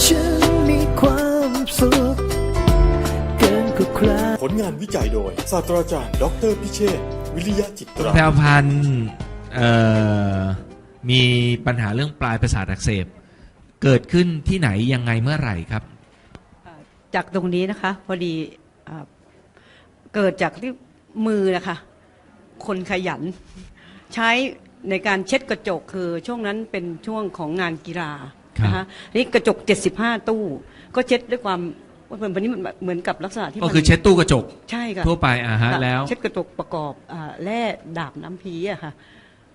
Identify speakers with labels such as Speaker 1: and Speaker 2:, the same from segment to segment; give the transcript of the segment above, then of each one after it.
Speaker 1: ฉันมีความสุขเกินกว่าใคร
Speaker 2: ผลงานวิจัยโดยศาสตราจารย์ดร.พิเชษฐ์วิริยะจิตรา
Speaker 3: แพรวพันธ์มีปัญหาเรื่องปลายประสาทอักเสบเกิดขึ้นที่ไหนยังไงเมื่อไหร่ครับ
Speaker 4: จากตรงนี้นะคะพอดีเกิดจากที่มือนะคะคนขยันใช้ในการเช็ดกระจกคือช่วงนั้นเป็นช่วงของงานกีฬานะคะนี่กระจก75ตู้ก็เช็ดด้วยความวันนี้มันเหมือนกับลักษณะที่
Speaker 3: ก็คือเช็ดตู้กระจก
Speaker 4: ใช่ค่ะ
Speaker 3: ทั่วไปแล้ว
Speaker 4: เช็ดกระจกประกอบแร่ดาบน้ำพีอะค่ะ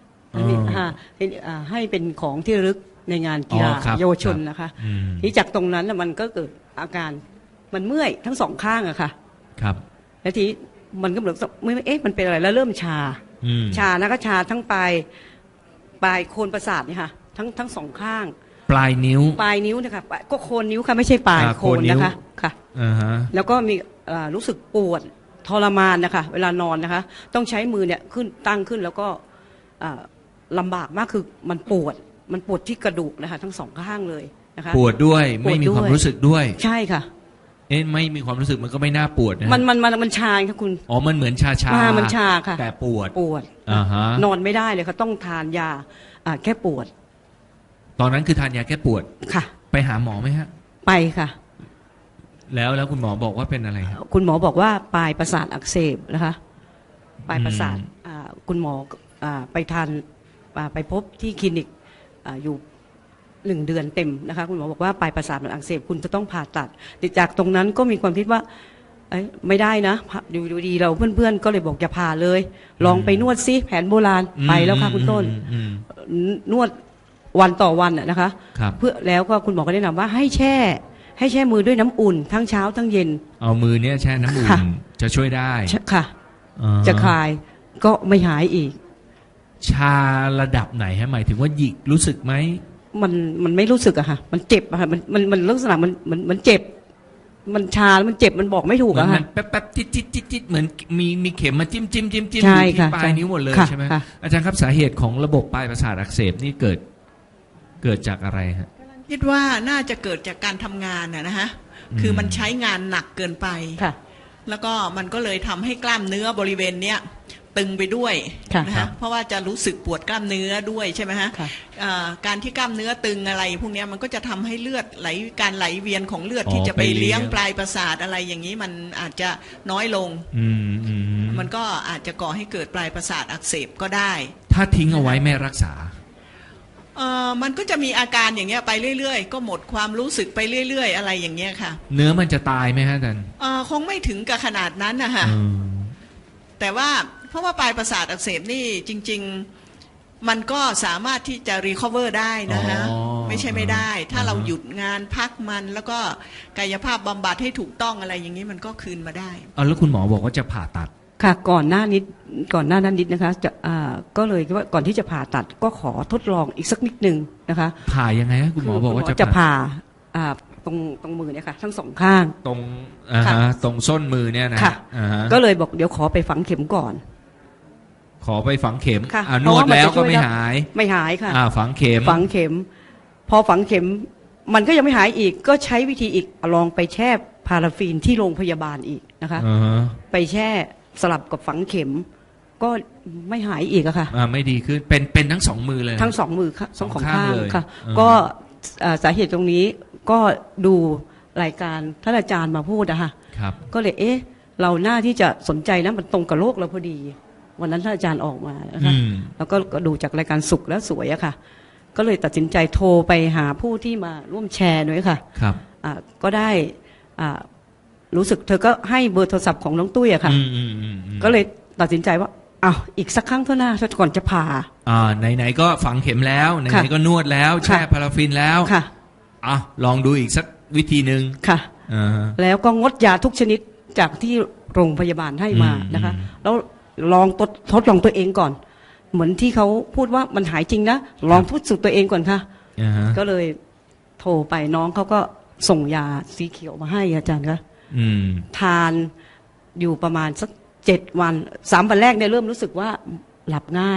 Speaker 4: ให้เป็นของที่ระลึกในงานกีฬาเยาวชนนะคะที่จากตรงนั้นมันก็เกิดอาการมันเมื่อยทั้งสองข้างอะค่ะ
Speaker 3: ครับ
Speaker 4: แล้วทีมันก็เหมือนมันเป็นอะไรแล้วเริ่มชานะก็ชาทั้งปลายโคนประสาทเนี่ยค่ะทั้งสองข้าง
Speaker 3: ปลายนิ้ว
Speaker 4: นะคะก็โคนนิ้วค่ะไม่ใช่ปลายโคนนะคะค่ะแล้วก็มีรู้สึกปวดทรมานนะคะเวลานอนนะคะต้องใช้มือเนี่ยตั้งขึ้นแล้วก็ลำบากมากคือมันปวดที่กระดูกนะคะทั้งสองข้างเลยนะคะ
Speaker 3: ปวดด้วยไม่มีความรู้สึกด้วย
Speaker 4: ใช่ค่ะ
Speaker 3: ไม่มีความรู้สึกมันก็ไม่น่าปวดนะ
Speaker 4: มันชาค่ะคุณ
Speaker 3: มันเหมือนชา
Speaker 4: มันชาค่ะ
Speaker 3: แต่ปวด
Speaker 4: นอนไม่ได้เลยค่ะต้องทานยาแก้ปวด
Speaker 3: ตอนนั้นคือทานยาแก้ปวด
Speaker 4: ค่ะ
Speaker 3: ไปหาหมอไหมฮะ
Speaker 4: ไปค่ะ
Speaker 3: แล้วคุณหมอบอกว่าเป็นอะไรครับ
Speaker 4: คุณหมอบอกว่าปลายประสาทอักเสบนะคะปลายประสาทคุณหมอไปพบที่คลินิกอยู่1 เดือนเต็มนะคะคุณหมอบอกว่าปลายประสาทมันอักเสบคุณจะต้องผ่าตัดจากตรงนั้นก็มีความคิดว่าไม่ได้นะดูดีเราเพื่อนๆก็เลยบอกอย่าผ่าเลยลองไปนวดซิแผนโบราณไปแล้วค่ะคุณต้นนวดวันต่อวันนะคะเพื่อแล้วก็คุณหมอก็แนะนำว่าให้แช่มือด้วยน้ำอุ่นทั้งเช้าทั้งเย็น
Speaker 3: เอามือเนี้ยแช่น้ำอุ่นจะช่วยได้
Speaker 4: ค่ะจะคลายก็ไม่หายอีก
Speaker 3: ชาระดับไหนฮะหมายถึงว่าหยิกรู้สึกไหม
Speaker 4: มันไม่รู้สึกอะค่ะมันเจ็บอะค่ะมันลักษณะมันเจ็บมันชาแล้วมันเจ็บมันบอกไม่ถูกอะค่ะ
Speaker 3: แป๊บจิ๊ดเหมือนมีเข็มมาจิ้มอยู่ที่ปลายนิ้วหมดเลยใช่ไหมอาจารย์ครับสาเหตุของระบบปลายประสาทอักเสบนี่เกิดจากอะไรฮะ
Speaker 5: คิดว่าน่าจะเกิดจากการทำงานนะฮะคือมันใช้งานหนักเกินไปแล้วก็มันก็เลยทำให้กล้ามเนื้อบริเวณเนี้ยตึงไปด้วยนะฮะเพราะว่าจะรู้สึกปวดกล้ามเนื้อด้วยใช่ไหมฮะการที่กล้ามเนื้อตึงอะไรพวกนี้มันก็จะทำให้เลือดการไหลเวียนของเลือดที่จะไปเลี้ยงปลายประสาทอะไรอย่างนี้มันอาจจะน้อยลงมันก็อาจจะก่อให้เกิดปลายประสาทอักเสบก็ได้
Speaker 3: ถ้าทิ้งเอาไว้ไม่รักษา
Speaker 5: มันก็จะมีอาการอย่างเงี้ยไปเรื่อยๆก็หมดความรู้สึกไปเรื่อยๆอะไรอย่างเงี้ยค่ะ
Speaker 3: เนื้อมันจะตายไหมฮะอาจารย์
Speaker 5: คงไม่ถึงกับขนาดนั้นนะคะแต่ว่าเพราะว่าปลายประสาทอักเสบนี่จริงๆมันก็สามารถที่จะรีคอเวอร์ได้นะฮะไม่ใช่ไม่ได้ถ้าเราหยุดงานพักมันแล้วก็กายภาพบำบัดให้ถูกต้องอะไรอย่างนี้มันก็คืนมาได้
Speaker 3: แล้วคุณหมอบอกว่าจะผ่าตัด
Speaker 4: ค่ะก่อนหน้านั้นนิดนะคะก็เลยว่าก่อนที่จะผ่าตัดก็ขอทดลองอีกสักนิดนึงนะคะ
Speaker 3: ผ่ายังไงคุณหมอบอกว่า
Speaker 4: จะผ่าตรงมือเนี่ยค่ะทั้งสองข้าง
Speaker 3: ตรงส้นมือเนี่ยนะ
Speaker 4: ก็เลยบอกเดี๋ยวขอไปฝังเข็มก่อน
Speaker 3: ขอไปฝังเข็มนวดแล้วก็ไม่หาย
Speaker 4: ค่ะ
Speaker 3: ฝังเข็ม
Speaker 4: พอฝังเข็มมันก็ยังไม่หายอีกก็ใช้วิธีอีกลองไปแช่พาราฟีนที่โรงพยาบาลอีกนะคะไปแช่สลับกับฝังเข็มก็ไม่หายอีกอะค่ะ
Speaker 3: ไม่ดีขึ้นเป็นทั้งสองมือเลย
Speaker 4: ทั้งสองมือค่ะสองข้างค่ะก็สาเหตุตรงนี้ก็ดูรายการท่านอาจารย์มาพูดอะค่ะก็เลยเราหน้าที่จะสนใจนะมันตรงกับโรคเราพอดีวันนั้นท่านอาจารย์ออกมานะคะแล้วก็ดูจากรายการสุขและสวยอะค่ะก็เลยตัดสินใจโทรไปหาผู้ที่มาร่วมแชร์ด้วยค่ะก็ได้รู้สึกเธอก็ให้เบอร์โทรศัพท์ของน้องตุ้ยอะค่ะก็เลยตัดสินใจว่าอีกสักครั้งเท่านั้นก่อนจะผ่า
Speaker 3: ไหนๆก็ฝังเข็มแล้วไหนๆก็นวดแล้วแช่พาราฟินแล้วลองดูอีกสักวิธีหนึ่ง
Speaker 4: ค่ะแล้วก็งดยาทุกชนิดจากที่โรงพยาบาลให้มานะคะแล้วลองทดลองตัวเองก่อนเหมือนที่เขาพูดว่ามันหายจริงนะลองพูดสู่ตัวเองก่อนค่ะก็เลยโทรไปน้องเขาก็ส่งยาสีเขียวมาให้อาจารย์คะทานอยู่ประมาณสัก7 วัน3 วันแรกเนี่ยเริ่มรู้สึกว่าหลับง่าย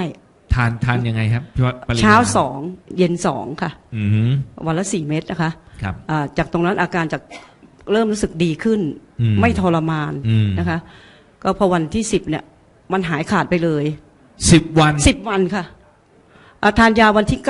Speaker 3: ทานยังไงครับปริมณ
Speaker 4: เช้า2เย็น2ค่ะวันละ4 เม็ดนะคะ
Speaker 3: ครับ
Speaker 4: จากตรงนั้นอาการจากเริ่มรู้สึกดีขึ้น ไม่ทรมานนะคะก็พอวันที่10เนี่ยมันหายขาดไปเลย
Speaker 3: 10 วัน
Speaker 4: 10 วันค่ะทานยาวันที่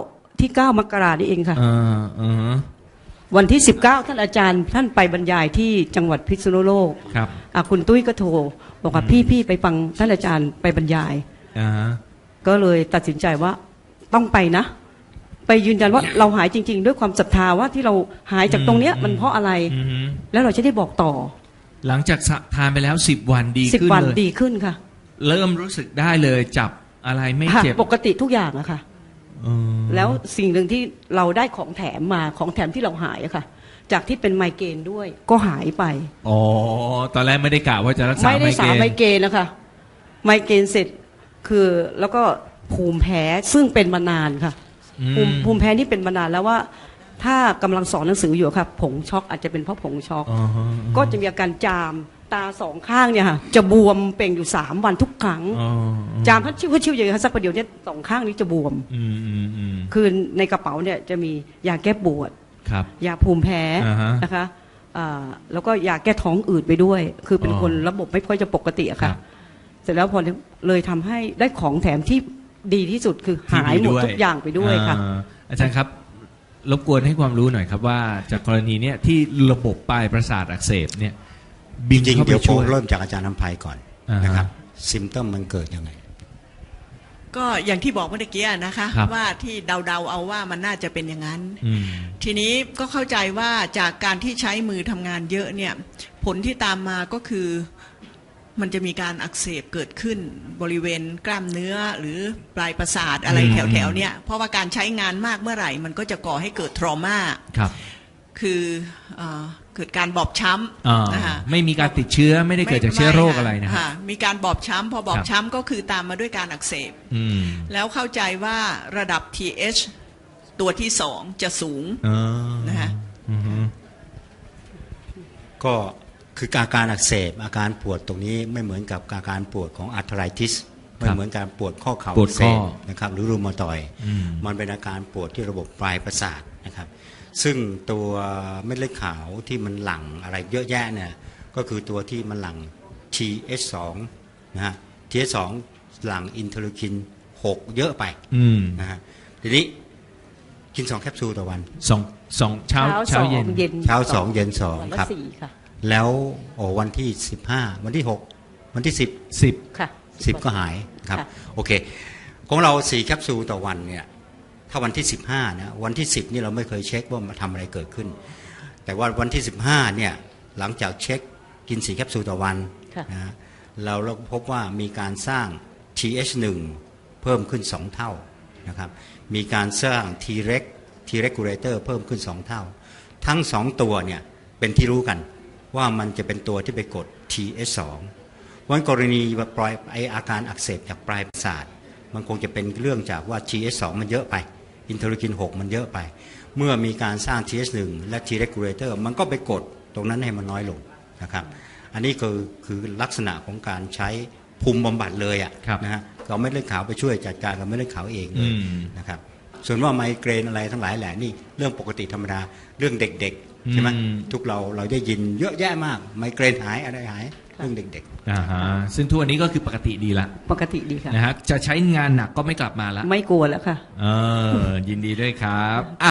Speaker 4: 9มกรานี่เองค่ะวันที่19ท่านอาจารย์ท่านไปบรรยายที่จังหวัดพิษณุโลก
Speaker 3: ครับ
Speaker 4: คุณตุ้ยก็โทรบอกว่าพี่ไปฟังท่านอาจารย์ไปบรรยายก็เลยตัดสินใจว่าต้องไปนะไปยืนยันว่าเราหายจริงๆด้วยความศรัทธาว่าที่เราหายจากตรงเนี้ยมันเพราะอะไรแล้วเราจะได้บอกต่อ
Speaker 3: หลังจากทานไปแล้ว10 วันดีขึ้นเลย10
Speaker 4: วันดีขึ้นค่ะ
Speaker 3: เริ่มรู้สึกได้เลยจับอะไรไม่เจ็บ
Speaker 4: ปกติทุกอย่างอะค่ะแล้วสิ่งหนึ่งที่เราได้ของแถมมาของแถมที่เราหายอะค่ะจากที่เป็นไมเกรนด้วยก็หายไป
Speaker 3: อ๋อตอนแรกไม่ได้กะว่าจะรักษาไมเกรน
Speaker 4: ไม่ได้สาไมเกรนนะคะไมเกรนเสร็จคือแล้วก็ภูมิแพ้ซึ่งเป็นมานานค่ะภูมิแพ้นี่เป็นมานานแล้วว่าถ้ากำลังสอนหนังสืออยู่ครับผงช็อกอาจจะเป็นเพราะผงช็อกก็จะมีอาการจามตา2 ข้างเนี่ยค่ะจะบวมเป่งอยู่3 วันทุกครั้งจามพัดชิวอย่างนี้สักประเดี๋ยวเนี่ย2 ข้างนี้จะบวมคือในกระเป๋าเนี่ยจะมียาแก้ปวดยาภูมิแพ้นะคะแล้วก็ยาแก้ท้องอืดไปด้วยคือเป็นคนระบบไม่ค่อยจะปกติอะค่ะเสร็จแล้วพอเลยทำให้ได้ของแถมที่ดีที่สุดคือหายหมดทุกอย่างไปด้วยค่ะ
Speaker 3: อาจารย์ครับรบกวนให้ความรู้หน่อยครับว่าจากกรณีเนี้ยที่ระบบปลายประสาทอักเสบเนี่ย
Speaker 6: จริงๆเดี๋ยวผมเริ่มจากอาจารย์น้ำภัยก่อนนะครับซิมเตอมมันเกิดยังไง
Speaker 5: ก็อย่างที่บอกเมื่อกี้นะคะว่าที่เดาเอาว่ามันน่าจะเป็นอย่างนั้นทีนี้ก็เข้าใจว่าจากการที่ใช้มือทำงานเยอะเนี่ยผลที่ตามมาก็คือมันจะมีการอักเสบเกิดขึ้นบริเวณกล้ามเนื้อหรือปลายประสาทอะไรแถวๆเนี่ยเพราะว่าการใช้งานมากเมื่อไหร่มันก็จะก่อให้เกิดทรมาคือเกิดการบอบช้ำนะคะ
Speaker 3: ไม่มีการติดเชื้อไม่ได้เกิดจากเชื้อโรคอะไรนะ
Speaker 5: มีการบอบช้ำพอบอบช้ำก็คือตามมาด้วยการอักเสบแล้วเข้าใจว่าระดับ TH ตัวที่2จะสูงนะคะ
Speaker 6: ก็คืออาการอักเสบอาการปวดตรงนี้ไม่เหมือนกับอาการปวดของอาร์ทไรติสไม่เหมือนการปวดข้อเข่าอักเสบนะครับหรือรูมาตอยด์มันเป็นอาการปวดที่ระบบปลายประสาทนะครับซึ่งตัวเม็ดเลือดขาวที่มันหลั่งอะไรเยอะแยะเนี่ยก็คือตัวที่มันหลั่ง TH2 นะฮะ TH2 หลั่งอินเทอร์ลูคิน6เยอะไปนะฮะทีนี้กิน2 แคปซูลต่อวัน
Speaker 3: 2เช้าเย็น
Speaker 6: เช้า2เย็น2ครับแล้ววันที่15วันที่6วันที่10
Speaker 4: ค่ะ
Speaker 6: 10ก็หายครับโอเคของเรา4 แคปซูลต่อวันเนี่ยถ้าวันที่15นะวันที่10นี่เราไม่เคยเช็คว่ามาทำอะไรเกิดขึ้นแต่ว่าวันที่15เนี่ยหลังจากเช็คกิน4 แคปซูลต่อวันนะเราพบว่ามีการสร้าง TH1 เพิ่มขึ้น2 เท่านะครับมีการสร้าง T regulator เพิ่มขึ้น2 เท่าทั้ง2ตัวเนี่ยเป็นที่รู้กันว่ามันจะเป็นตัวที่ไปกด TH2 วันกรณีปล่อยอาการอักเสบจากปลายประสาทมันคงจะเป็นเรื่องจากว่า TH2 มันเยอะไปอินเทอร์ลูคิน6มันเยอะไปเมื่อมีการสร้าง TH1 และ T regulator มันก็ไปกดตรงนั้นให้มันน้อยลงนะครับอันนี้คือลักษณะของการใช้ภูมิบำบัดเลยอ่ะนะฮะเราไม่เลือดขาวไปช่วยจัดการกับไม่เลือดขาวเองเลยนะครับส่วนว่าไมเกรนอะไรทั้งหลายแหละนี่เรื่องปกติธรรมดาเรื่องเด็กๆใช่ไหมทุกเราได้ยินเยอะแยะมากไมเกรนหายอะไรหายเรื่องเด็ก
Speaker 3: ๆซึ่งทุกวันนี้ก็คือปกติดีละ
Speaker 4: ปกติดีค่ะ
Speaker 3: นะฮะจะใช้งานหนักก็ไม่กลับมาละ
Speaker 4: ไม่กลัวแล้วค่ะ
Speaker 3: ยินดีด้วยครับ